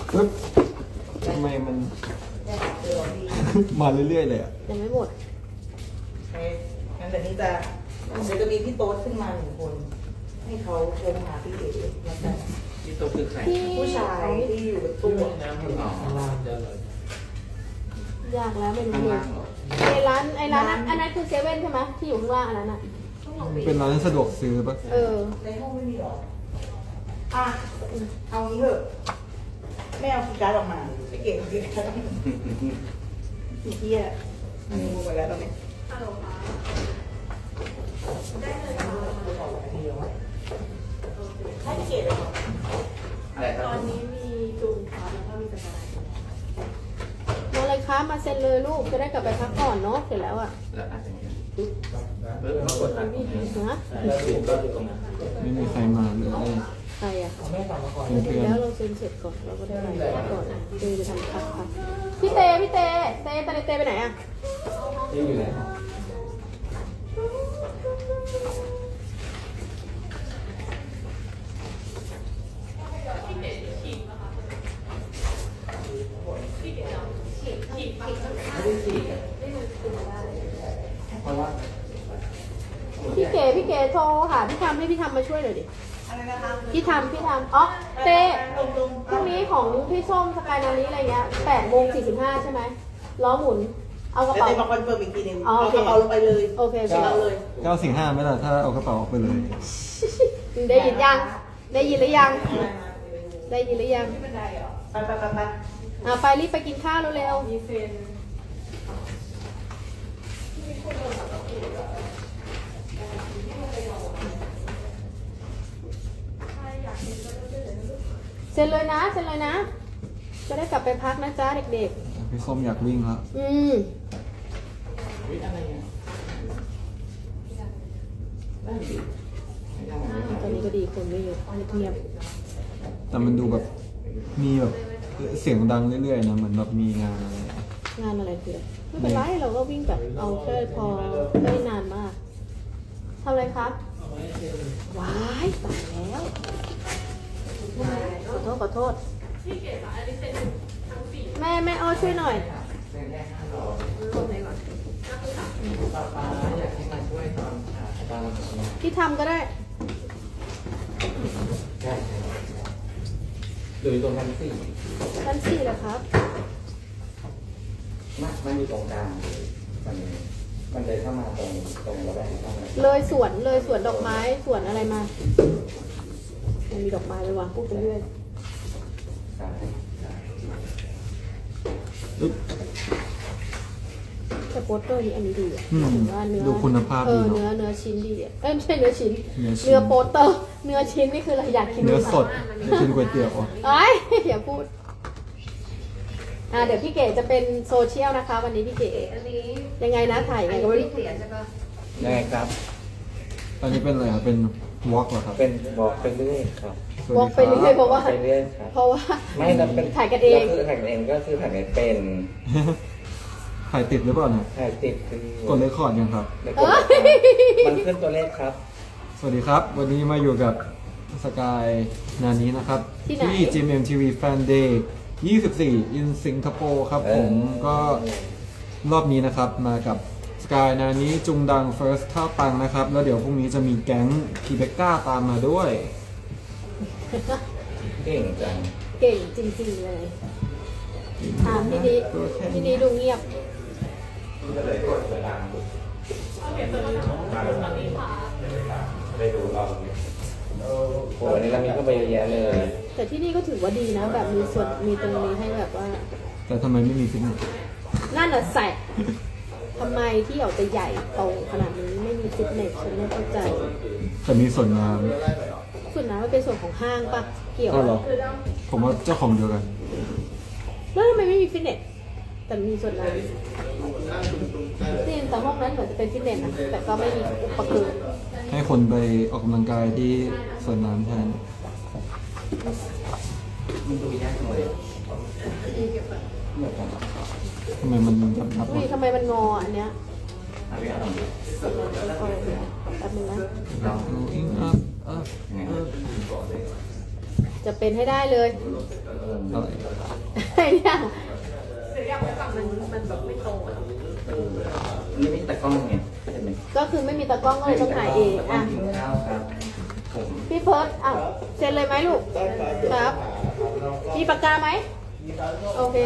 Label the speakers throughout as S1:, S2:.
S1: ปึ๊บทำไมมันมาเรื่อยๆเลยอ่ะ
S2: ยังไม่หมด
S3: โอเคงั้นเดี๋ยวนี้จะมีพี่โต๊ดขึ้นมา1 คน ให้เขาโทรหาพี่เอ๋แล้วกัน
S4: ที่ตัวคือใคร
S3: ผู้ชายที่อยู่บนตู้
S4: น้ำอ๋อข้างล่างจะเลย
S2: ยากแล้วไม่รู้
S4: ข้าง
S2: เล
S4: ล่าย งเหรอ
S2: ไอ้ร้านอันนั้นคือเซเว่นใช่ไหมที่อยู่ข้างล่างอันนั้นอ่ะ
S1: เป็นร้านสะดวกซื้อปะ
S2: เออ
S3: ในห้องไม่มีหรออ่ะเอางี้เถอะไม่เอาคีย์การ์ดออกมาไอ้เก่งคีย์การ์ดออกมาอีเหี้ยอันนี้งูไปแล้วตอนนี้ให้เก๋เลยเหรอ
S4: อะไรค
S2: ต
S4: รับ
S2: อนนี้มีจูนครับแล้วก็มีสกายมาเลยครับมาเซ็นเลยลูกจะได้กลับไปพักผ่อนเนาะเสร็จแล้วอ่ะ
S4: แล้วอาจจะอย่างเงี้ยปึ๊บแล้วกดอัด
S2: นะ
S4: แล้วถูกก็อยู่ตรงนั้น
S1: ไม่มีใครมาเลย
S2: ใครอ่ะ
S1: เพื่อน
S2: แล้วเราเซ็นเสร็จก่อนเราก็ได้ไปก่อนเตจะทำพักพี่เตไปไหนอ่ะ
S4: ที่อยู่ไหน
S2: พี่เก๋โทรหาพี่ทำให้พี่ทำมาช่วยหน่อยดิ
S3: อะไรนะคะ
S2: พี่ทำอ๋อเตพรุ่งนี้ของพี่ส้มสกายนาลีอะไรเงี้ย8:45ใช่ไหมล้อหมุนเอากระ
S3: เดี๋ยว
S2: เป๋า
S3: เต้มาคอนเฟิร์มอีกทีนึง
S2: อ๋อ
S3: เอา
S2: โอก เค
S3: ระเป๋าลงไปเลย
S2: โอเค
S3: เอาเลย
S1: 945ไหมล่ะถ้าเอากระเป๋าออกไปเลย
S2: ได้ยินยังได้ยินหรือยังได้ยินหรือยัง
S3: ไป
S2: ไปรีบไปกินข้าวเร็วๆเซ็นเลยนะจะได้กลับไปพักนะจ๊ะเด็ก
S1: พี่ส้มอยากวิ่งแล้ว
S2: ๆตอนนี้ก็ดีคนไม่เยอะเงียบ
S1: แต่มันดูแบบมีแบบเสียงดังเรื่อยๆนะเหมือนแบบมีงานอะไร
S2: งานอะไรคือไม่เป็นไรเราก็วิ่งแบบเอาแค่พอไม่นานมากทำอะไรครับว้ายตายแล้วขอโทษแม่อ้อช่วยหน่อย
S4: อยากให้มาช่วยตอน
S2: พี่ทำก็ได้
S4: ใช่หรือตรงชั้นสี่
S2: ชั้น4เหรอครับ
S4: มันอยู่ตรงกลางมันเลยเข้ามาตรงระแวกข้างใน
S2: เลยสวนดอกไม้สวนอะไรมามันมีดอกไม้เลยวะพูดไปเรื่อย
S4: ใช่
S1: ปึ๊บ
S2: แต่โปสเตอร์นี้อันนี้ดีอ่ะ
S1: อืม
S2: ถึงว่าเนื้อ
S1: ดูคุณภาพดีเนอะ
S2: เนื้อชิ้นดีอ่ะไม่ใช่เนื้อชิ้น
S1: เนื้อชิ้น
S2: เนื้อโปสเตอร์เนื้อชิ้นนี่คืออะไรอยากกิน
S1: เนื้อสดอยากกินก๋วยเตี๋ยวอ่ะ
S2: ไอ้ยอย่าพูดเดี๋ยวพี่เก๋จะเป็นโซเชียลนะคะ วันนี้พี่เก๋
S5: อันนี้
S2: ยังไงนะถ่ายยังไงก็ไม่รู้
S5: เสียใช่ปะ
S4: ยังไงครับ
S1: อันนี้เป็นอะไรครับเป็นวอล์กเหรอครับ
S4: เป็นบอกไปเรื่อยครับ
S1: สวัส
S2: วอล์กไป
S1: ดี
S2: เรื่อยๆ
S1: ค
S2: เพราะว่า
S4: ไปเรื่อยครับ
S2: เพราะว่า
S4: ไม่เราเป็น
S2: ถ่ายกันเอง
S4: ก็คือถ่ายกันเองก็คือถ่ายกันเป็น
S1: ถ่ายติดหรือเปล่าเนี่ย
S4: ถ่ายติดคือก
S1: ดเรคคอร์ดยังครับ
S4: แล้วกดมันขึ้นตัวเลขครับ
S1: สวัสดีครับ วันนี้มาอยู่กับสกายนานี้นะครับ
S2: ที่ไหน
S1: ที่ GMMTV Fan Day 24 in สิงคโปร์ครับผมก็รอบนี้นะครับมากับสกายนานี้จุงดัง First ท่าปังนะครับ แล้วเดี๋ยวพรุ่งนี้จะมีแก๊งพีเบกก้าตามมาด้วย
S4: เก่งจัง
S2: เก่งจริงๆเลยพี่ดีดูเงียบ
S4: ก็เลยกดเวลาไปดูเราโอ้โหวันนี้เรามีเข้าไปเยอะแยะเลย
S2: แต่ที่นี่ก็ถือว่าดีนะ แบบมีส่วนมีตรงนี้ให้แบบว่า
S1: แต่ทำไมไม่มีฟิตเนส
S2: นั่นน่ะแสบทำไมที่ออกจะใหญ่โตขนาดนี้ไม่มีฟิตเนสฉันไม่เข้าใจ
S1: แต่มีส่วนน้
S2: ส่วนนั้นมันเป็นส่วนของห้างปะเกี่ย
S1: ำ
S2: ว
S1: ก็หรอผมว่าเจ้าของเดียวกัน
S2: แล้วทำไมไม่มีฟิตเนสแต่มีส่วนนั้นนี่แต่ห้องนั้นเหมือนจะเป็นฟิตเนสนะแต่ก็ไม่มีอุปกรณ์
S1: ให้คนไปออกกำลังกายที่สวนน้ำแทน
S4: มันดูยากเลย
S1: ทำไมมันยับ
S2: อุ้ยทำไมมันงออันเนี้ย
S4: เอาไปเอาหน่อย
S2: เอาเลยแป๊บนึงนะ
S4: ลอง
S1: ๆ Going up up up
S2: จะเป็นให้ได้เลย
S1: อะไร
S2: ไอ้เนี่ยมันแบบไม่ตรงอะ
S4: นี่ไม่ตะกล้องไงใช่ไหม
S2: ก็คือไม่มีตากล้องก็เลยต้องถ่ายเองอ่ะ
S4: กินข้าวครับผม
S2: พี่เพิร์ดอ่ะเซ็นเลยไหมลูก ครับ มีปากกาไหม โอเค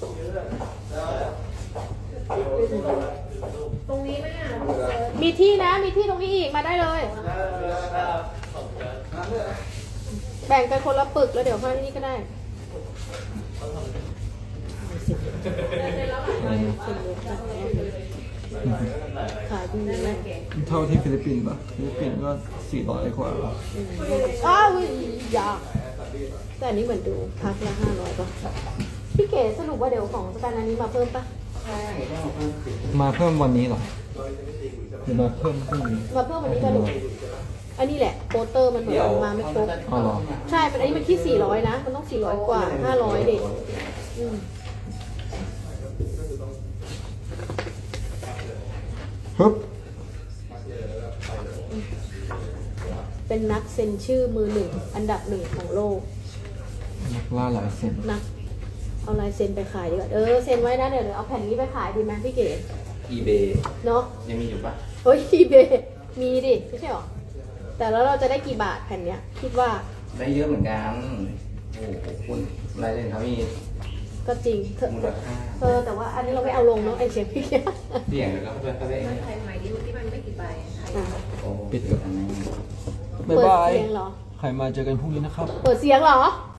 S2: ตรงนี้ไหมอ่ะ มีที่นะ มีที่ตรงนี้อีก มาได้เลย แบ่งกันคนละปึกแล้วเดี๋ยวเข้าที่นี่ก็ได้ ขายดีไหม
S1: เท่าที่ฟิลิปปินส์ปะฟิลิปปินส์ก็400 กว่า
S2: อ้าวอยากแต่อันนี้เหมือนดูพักละ500ป่ะพี่เก๋สรุปว่าเดี๋ยวของสการนันนี้มาเพิ่มปะ
S1: มาเพิ่มวันนี้เหรอหรือมาเพิ่มพรุ่งนี้
S2: มาเพิ่มวันนี้ก็ดูอันนี้แหละโปสเตอร์มันเหมือนมาไม่ครบ
S1: อ๋อเหรอ
S2: ใช่อันนี้มันที่400นะมันต้อง400กว่า500เด็ก
S1: ฮึบ
S2: เป็นนักเซ็นชื่อมือหนึ่งอันดับหนึ่งของโลก
S1: นักล่าหลายเส้น
S2: นักเอาลายเซ็นไปขายดีกว่าเซ็นไว้นะเดี๋ยวเอาแผ่นนี้ไปขายดีไหมพี่เก๋
S4: อีเบ
S2: เนาะ
S4: ยังมีอยู่ปะ
S2: เฮ้ยทีเบมีดิไม่ใช่หรอแต่แล้วเราจะได้กี่บาทแผ่นเนี้ยคิดว่า
S4: ได้เยอะเหมือนกันโอ้โหคุณลายเส้นเขามี
S2: ก็จริงเถอะ
S4: มูลค่า
S2: แต่ว่าอันนี้เราไม่เอาลงเนาะไอเชฟพี่เก๋
S4: เสี่ยงแล้วก็เพื่อนเขาได้
S2: อ่ะ
S4: โอ้
S1: ปิด
S4: อันนั้น
S1: บ๊าย
S2: เปิด
S1: บาย
S2: เสียงเหรอ
S1: ใครมาเจอกันพรุ่งนี้นะครับ
S2: เปิดเสียงเหรอ